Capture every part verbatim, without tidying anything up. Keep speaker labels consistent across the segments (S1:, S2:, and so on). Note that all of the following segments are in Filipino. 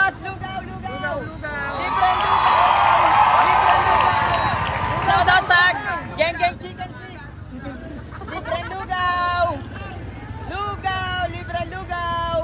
S1: boss! Lugaw, lugaw!
S2: Lugaw, lugaw.
S1: Libre lugaw! Libre lugaw! Shout out sa Geng Geng Chicken Feet! Libre lugaw! Lugaw! Libre lugaw!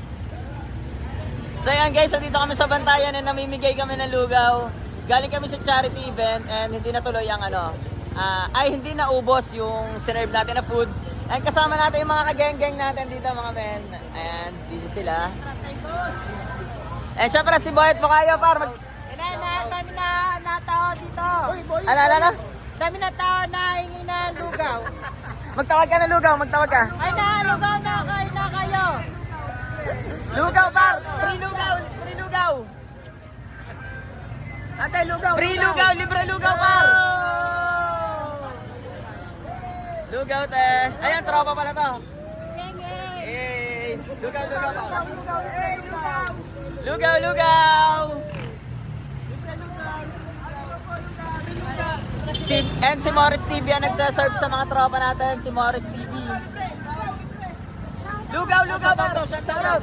S1: So yan guys, dito kami sa Bantayan and namimigay kami ng lugaw. Galing kami sa charity event and hindi natuloy ang ano, ah, ay hindi naubos yung sinerve natin na food. And kasama natin yung mga kageng-geng natin dito mga men. And busy sila. And syempre si Boyet mo kayo par. Mag...
S3: Na, kami na natao dito.
S1: Ano, ano, ano?
S3: Kami na tao na hingi na lugaw.
S1: Magtawag ka na lugaw, magtawag ka.
S3: Ay na, lugaw na kayo na kayo.
S1: Lugaw par! Free lugaw! Free lugaw!
S3: Ate, lugaw.
S1: Free lugaw! Libre lugaw par! Lugaw te! Ayan, tropa pala to. Eh, lugaw, lugaw par. Lugaw, lugaw! Si, and si Morris T V ang nagsaserve sa mga tropa natin. Si Morris T V. Lugaw, lugaw par! Shout out!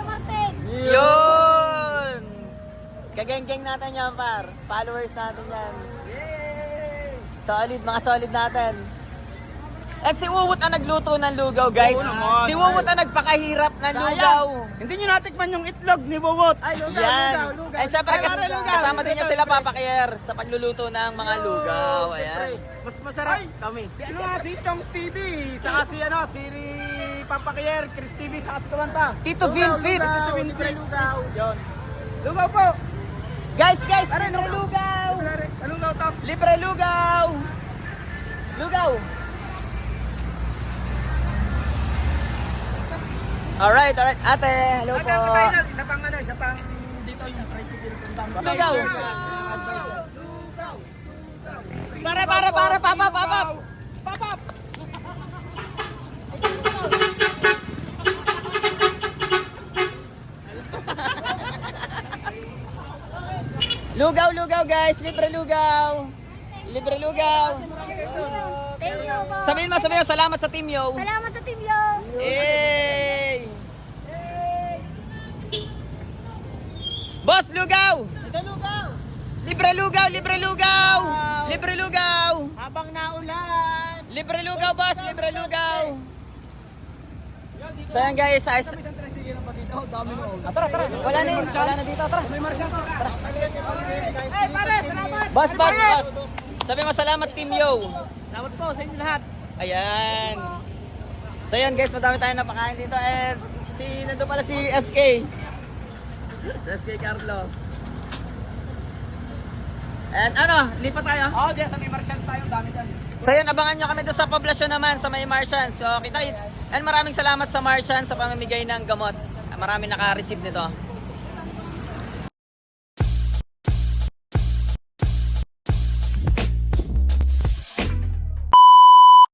S1: Yun! Kageng-geng natin yan par. Followers natin yan. Solid, mga solid natin. At si Wuwut ang nagluto ng lugaw guys.
S2: Oo naman.
S1: Si Wuwut ang nagpakahirap ng lugaw.
S2: Hindi nyo natikman yung itlog ni Bobot.
S3: Ay, lugaw,
S1: Yan.
S3: lugaw, lugaw.
S1: Ay syempre
S3: Ay,
S1: kas-
S3: pare, lugaw.
S1: kasama din niya sila Papa Kier sa pagluluto ng mga lugaw. Ayan.
S2: Mas masarap kami. Si ano nga, si Choms T V. Saka si ano, si Pampakier, Chris T V, saka si Kumanta.
S1: Tito Vinfit.
S2: Tito Vinfit. Lugaw. Yun. Lugaw po.
S1: Guys, guys,
S2: Pare,
S1: libre lugaw.
S2: Lugaw to.
S1: Libre lugaw. Lugaw. Alright, alright. Ate, hello po.
S2: Isa pang ano, isa pang dito yung tricycle kung
S1: Lugaw. Para, para, para, papa, papa.
S2: Papap.
S1: Lugaw, lugaw guys. Libre lugaw. Libre lugaw.
S4: Thank you po.
S1: Sabihin mo, sabihin mo, salamat sa Team Yo.
S4: Salamat sa Team Yo.
S1: Hey! Boss, lugaw!
S3: Ito, lugaw.
S1: Libre lugaw, libre lugaw! Libre lugaw!
S3: Habang naulan.
S1: Libre lugaw, boss! Libre lugaw! So yan guys, ayos. Ah, tara, tara. Wala na yun. Wala na dito. Tara.
S3: Ay, pare, salamat.
S1: Boss, boss, boss. Sabi mo, salamat Team Yo.
S3: Salamat po sa inyo lahat.
S1: Ayan. So yan guys, madami tayong napakain dito. And si, nandun pala si S K. Si S K Carlo. And ano, lipat tayo.
S2: Oh, diyan sa may Martians tayo, dami dyan.
S1: So yun, abangan nyo kami doon sa poblasyon naman sa may Martians. So kita, and maraming salamat sa Martians sa pamimigay ng gamot. Maraming naka-receive nito.